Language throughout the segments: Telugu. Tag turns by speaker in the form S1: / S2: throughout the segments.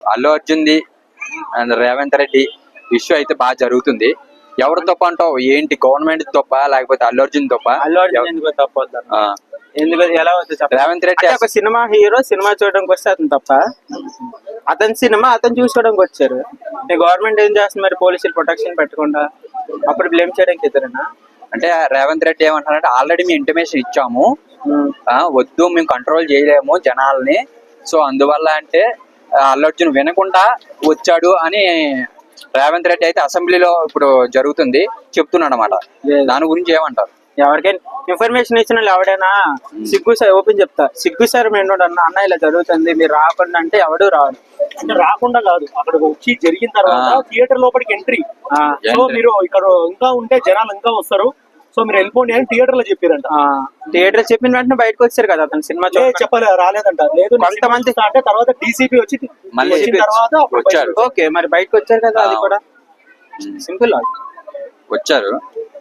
S1: అల్లు అర్జున్ది అండ్ రేవంత్ రెడ్డి ఇష్యూ అయితే బాగా జరుగుతుంది. ఎవరు తప్ప అంటావు? ఏంటి గవర్నమెంట్ తప్ప లేకపోతే అల్లు అర్జున్ తప్ప?
S2: అల్లు అర్జున్ ఎందుకు తప్ప ఎందుకు ఎలా వద్దు
S1: రేవంత్ రెడ్డి
S2: ఒక సినిమా హీరో సినిమా చూడడానికి వస్తే అతను తప్ప, అతని సినిమా అతను చూసుకోవడానికి వచ్చారు. గవర్నమెంట్ ఏం చేస్తుంది మరి? పోలీసులు ప్రొటెక్షన్ పెట్టకుండా అప్పుడు బ్లేమ్ చేయడానికి ఇద్దరేనా?
S1: అంటే రేవంత్ రెడ్డి ఏమంటారంటే ఆల్రెడీ మేము ఇంటిమేషన్ ఇచ్చాము, వద్దు మేము కంట్రోల్ చేయలేము జనాల్ని, సో అందువల్ల అంటే అల్లు అర్జున్ వినకుండా వచ్చాడు అని రేవంత్ రెడ్డి అయితే అసెంబ్లీలో ఇప్పుడు జరుగుతుంది చెప్తున్నాడు అనమాట. దాని గురించి ఏమంటారు?
S2: ఎవరికైనా ఇన్ఫర్మేషన్ ఇచ్చిన వాళ్ళు ఎవడైనా సిగ్గు సార్ ఓపెన్ చెప్తా, సిగ్గు సార్ మేము అన్న ఇలా జరుగుతుంది మీరు రాకుండా అంటే ఎవడు రాడు.
S3: అంటే రాకుండా కాదు, అక్కడ వచ్చి జరిగిన తర్వాత థియేటర్ లోపలికి ఎంట్రీ. సో మీరు ఇక్కడ ఇంకా ఉంటే జనాలు ఇంకా వస్తారు, సో మీరు వెళ్ళిపోండి అని థియేటర్ లో చెప్పారంట.
S2: థియేటర్ చెప్పిన వెంటనే బయటకు వచ్చారు కదా అతను సినిమా
S3: చెప్పలే రాలేదంట. లేదు కొంతమంది అంటే తర్వాత డీసీపీ వచ్చి తర్వాత
S1: వచ్చారు.
S2: ఓకే మరి బయటకు వచ్చారు కదా, అది కూడా సింపుల్
S1: వచ్చారు.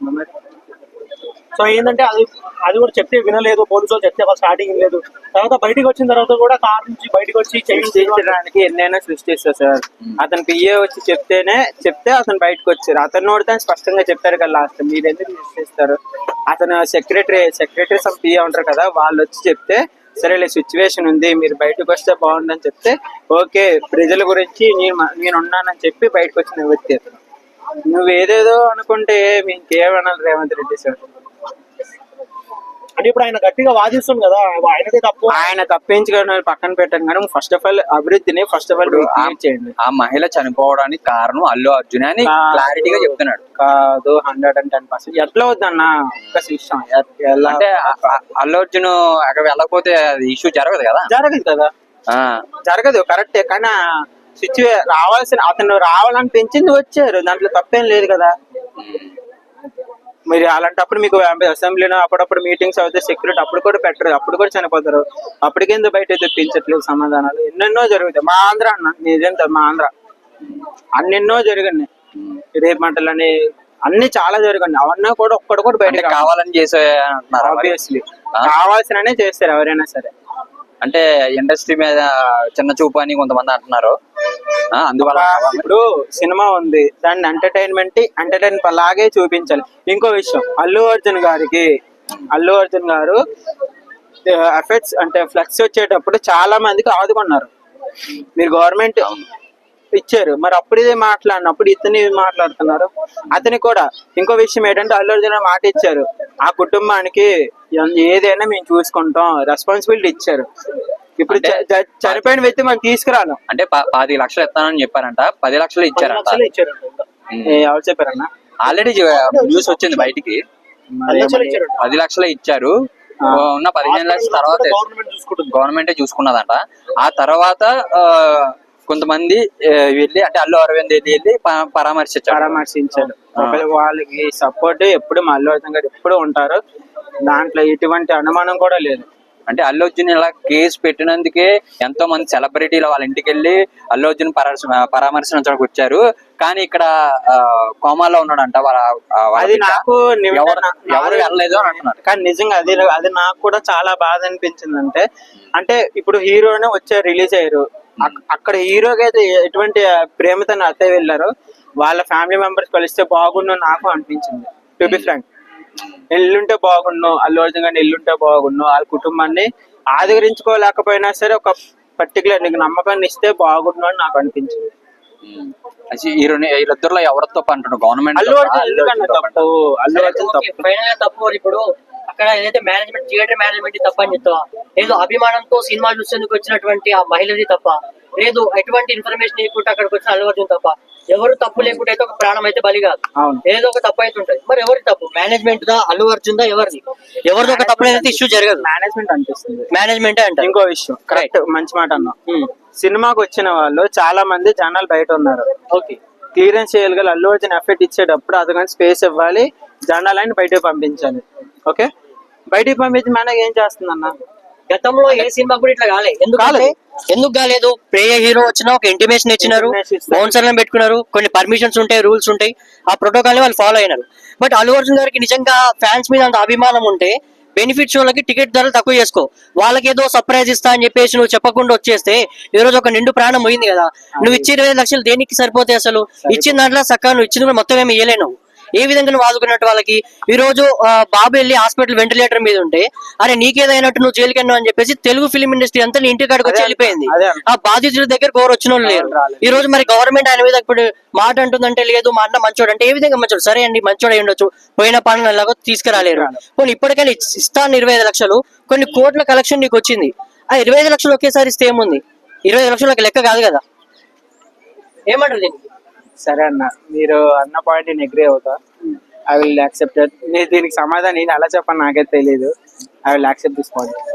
S3: సో ఏంటంటే అది కూడా చెప్తే వినలేదు, పోలీసులు చెప్తే స్టార్టింగ్ లేదు, తర్వాత బయటకు వచ్చిన తర్వాత కూడా కార్ నుంచి బయటకు వచ్చి
S2: చేయించడానికి ఎన్నైనా సృష్టిస్తారు సార్. అతను పిఏ వచ్చి చెప్తే అతను బయటకు వచ్చారు. అతను నోడితే స్పష్టంగా చెప్పారు కదా లాస్ట్, మీరు ఎందుకు సృష్టిస్తారు? అతను సెక్రటరీ సమ్ పిఏ ఉంటారు కదా, వాళ్ళు వచ్చి చెప్తే సరేలే సిచ్యువేషన్ ఉంది మీరు బయటకు వస్తే బాగుందని చెప్తే ఓకే ప్రజల గురించి నేను ఉన్నానని చెప్పి బయటకు వచ్చిన వ్యక్తి అతను. నువ్వు ఏదేదో అనుకుంటే మీకేమనాలి రేవంత్ రెడ్డి సార్?
S3: అంటే ఇప్పుడు ఆయన గట్టిగా వాదిస్తుంది కదా, ఆయనదే తప్పు.
S2: ఆయన తప్పించుకొని పక్కన పెట్టాను కానీ ఫస్ట్ ఆఫ్ ఆల్ అభివృద్ధిని చేయండి.
S1: ఆ మహిళ చనిపోవడానికి కారణం అల్లు అర్జున్ అని క్లారిటీగా చెప్తున్నాడు.
S2: కాదు 110% ఎట్లా వద్దన్న ఒక్క విషయం.
S1: అంటే అల్లు అర్జున్ అక్కడ వెళ్ళకపోతే ఇష్యూ జరగదు కదా.
S2: జరగదు కరెక్టే, కానీ అతను రావాలని పెంచింది వచ్చారు, దాంట్లో తప్పేం లేదు కదా. మీరు అలాంటప్పుడు మీకు అసెంబ్లీలో అప్పుడప్పుడు మీటింగ్స్ అవుతాయి, సెక్యూరిటీ అప్పుడు కూడా పెట్టరు, అప్పుడు కూడా చనిపోతారు. అప్పటికెందుకు బయట తెప్పించట్లేదు సమాధానాలు? ఎన్నెన్నో జరుగుతాయి. మా ఆంధ్ర అన్న నిజంగా మా ఆంధ్ర అన్నెన్నో జరిగినాయి, రేపు మంటలని అన్ని చాలా జరిగాయి. అవన్నీ కూడా ఒక్కడు కూడా బయట
S1: కావాలని చేసే
S2: ఆబ్వియస్లీ కావాల్సిననే చేస్తారు ఎవరైనా సరే.
S1: అంటే ఇండస్ట్రీ మీద చిన్న చూపు అని కొంతమంది అంటున్నారు. అందువల్ల
S2: ఇప్పుడు సినిమా ఉంది, దాన్ని ఎంటర్టైన్మెంట్ లాగే చూపించాలి. ఇంకో విషయం, అల్లు అర్జున్ గారు ఎఫెక్ట్స్ అంటే ఫ్లెక్స్ వచ్చేటప్పుడు చాలా మందికి ఆదుకున్నారు. మీరు గవర్నమెంట్ ఇచ్చారు, మరి అప్పుడు ఇదే మాట్లాడినప్పుడు ఇతని మాట్లాడుతున్నారు. అతని కూడా ఇంకో విషయం ఏంటంటే అల్లు అర్జున్ మాట ఇచ్చారు, ఆ కుటుంబానికి ఏదైనా మేము చూసుకుంటాం రెస్పాన్సిబిలిటీ ఇచ్చారు. ఇప్పుడు చనిపోయిన వ్యక్తి మనం తీసుకురాను
S1: అంటే 10 లక్షలు ఇస్తానని చెప్పారంట, 10 లక్షలు ఇచ్చారంట.
S2: ఎవరు చెప్పారన్నా?
S1: ఆల్రెడీ న్యూస్ వచ్చింది బయటికి, 10 లక్షలు ఇచ్చారు. ఉన్న 15 లక్షల తర్వాత గవర్నమెంటే చూసుకున్నదంట. ఆ తర్వాత కొంతమంది వెళ్ళి అంటే అల్లు అరవింద్ వెళ్ళి
S2: పరామర్శించారు. వాళ్ళకి సపోర్ట్ ఎప్పుడు మా అల్లు అర్జున్ గారు ఎప్పుడు ఉంటారు, దాంట్లో ఎటువంటి అనుమానం కూడా లేదు.
S1: అంటే అల్లు అర్జున్ ఇలా కేసు పెట్టినందుకే ఎంతో మంది సెలబ్రిటీలు వాళ్ళ ఇంటికి వెళ్ళి అల్లు అర్జున్ పరామర్శించడానికి వచ్చారు. కానీ ఇక్కడ కోమాలో ఉన్నాడంట.
S2: అది నాకు
S1: ఎవరు వెళ్ళలేదు అని అంటున్నారు.
S2: కానీ నిజంగా అది నాకు కూడా చాలా బాధ అనిపించింది. అంటే ఇప్పుడు హీరోనే వచ్చారు, రిలీజ్ అయ్యారు, అక్కడ హీరోకి అయితే ఎటువంటి ప్రేమతో అత్తయ్య వెళ్ళారు, వాళ్ళ ఫ్యామిలీ మెంబర్స్ కలిస్తే బాగుండు నాకు అనిపించింది. టు బి ఫ్రాంక్, ఎల్లుంటే బాగుండు, అల్లు అర్జున్ గారిని ఎల్లుంటే బాగుండు, వాళ్ళ కుటుంబాన్ని ఆదరించుకోలేకపోయినా సరే ఒక పర్టికులర్ నీకు నమ్మకాన్ని ఇస్తే బాగుండు అని నాకు అనిపించింది.
S1: వీళ్ళిద్దరులో ఎవరు తప్పు అంటున్నారు? గవర్నమెంట్
S2: అల్లు అర్జున్
S4: తప్పు. ఇప్పుడు అక్కడ ఏదైతే మేనేజ్మెంట్ థియేటర్ మేనేజ్మెంట్ తప్ప అని చెప్తావా? లేదు అభిమానంతో సినిమా చూసేందుకు వచ్చినటువంటి ఆ మహిళది తప్ప, లేదు ఎటువంటి ఇన్ఫర్మేషన్ లేకుండా అక్కడికి వచ్చిన అల్లు అర్జున్ తప్ప. ఎవరు తప్పు లేకుండా అయితే ఒక ప్రాణం అయితే బలి కాదు, ఏదో ఒక తప్పు అయితే ఉంటుంది. మరి ఎవరి తప్పు? మేనేజ్మెంట్ దా, అల్లు అర్జున్ దా, ఎవరిది ఒక తప్పు అయితే ఇష్యూ జరగదు.
S2: మేనేజ్మెంట్ అనిపిస్తుంది,
S4: మేనేజ్మెంట్ అంటే.
S2: ఇంకో విషయం కరెక్ట్, మంచి మాట అన్నా. సినిమాకి వచ్చిన వాళ్ళు చాలా మంది జనాలు బయట ఉన్నారు.
S4: ఓకే,
S2: క్లియరెన్స్ చేయగల అల్లు అర్జున్ ఎఫెక్ట్ ఇచ్చేటప్పుడు అతను స్పేస్ ఇవ్వాలి, జనాలని బయటకు పంపించాలి. ఓకే, బయటికి పంపించి మనకి ఏం చేస్తుందన్న?
S4: గతంలో ఏ సినిమా కూడా ఇట్లా కాలేదు. ఎందుకు కాలేదు? ప్రేయ హీరో వచ్చినా ఒక ఇంటిమేషన్ ఇచ్చినారు, బౌన్సర్లను పెట్టుకున్నారు, కొన్ని పర్మిషన్స్ ఉంటాయి, రూల్స్ ఉంటాయి, ఆ ప్రోటోకాల్ ని వాళ్ళు ఫాలో అయినారు. బట్ అల్లు అర్జున్ గారికి నిజంగా ఫ్యాన్స్ మీద అంత అభిమానం ఉంటే బెనిఫిట్ షోలకి టికెట్ ధరలు తక్కువ చేసుకో, వాళ్ళకి ఏదో సర్ప్రైజ్ ఇస్తా అని చెప్పేసి నువ్వు చెప్పకుండా వచ్చేస్తే ఈ రోజు ఒక నిండు ప్రాణం పోయింది కదా. నువ్వు ఇచ్చే 25 లక్షలు దేనికి సరిపోతాయి అసలు? ఇచ్చిన దాంట్లో సక్క నువ్వు ఇచ్చింది కూడా మొత్తం ఏమి ఇయ్యలేను. ఏ విధంగా నువ్వు ఆదుకున్నట్టు వాళ్ళకి? ఈ రోజు బాబు వెళ్ళి హాస్పిటల్ వెంటిలేటర్ మీద ఉంటే అరే నీకేదైనట్టు నువ్వు జైలుకి వెళ్ళావు అని చెప్పేసి తెలుగు ఫిలిం ఇండస్ట్రీ అంతా నీ ఇంటి కాడికి వచ్చి వెళ్ళిపోయింది. ఆ బాధితుల దగ్గర ఎవరు వచ్చిన వాళ్ళు లేరు. ఈ రోజు మరి గవర్నమెంట్ ఆయన మీద ఇప్పుడు మాట అంటుందంటే లేదు మా అన్న మంచోడు అంటే ఏ విధంగా మంచోడు? సరే అండి మంచోడు అయి ఉండొచ్చు, పోయిన పనులు ఎలాగో తీసుకురాలేరు. కొన్ని ఇప్పటికైనా ఇస్తాను 25 లక్షలు, కొన్ని కోట్ల కలెక్షన్ నీకు వచ్చింది. ఆ 25 లక్షలు ఒకేసారి ఇస్తే ఏముంది? 25 లక్షలు ఒక లెక్క కాదు కదా. ఏమంటారు దీనికి?
S2: సరే అన్న, మీరు అన్న పాయింట్ నేను అగ్రీ అవుతా. I will accept. నేను దీనికి సమాధానం నేను అలా చెప్పని నాకైతే తెలియదు. I will accept this point.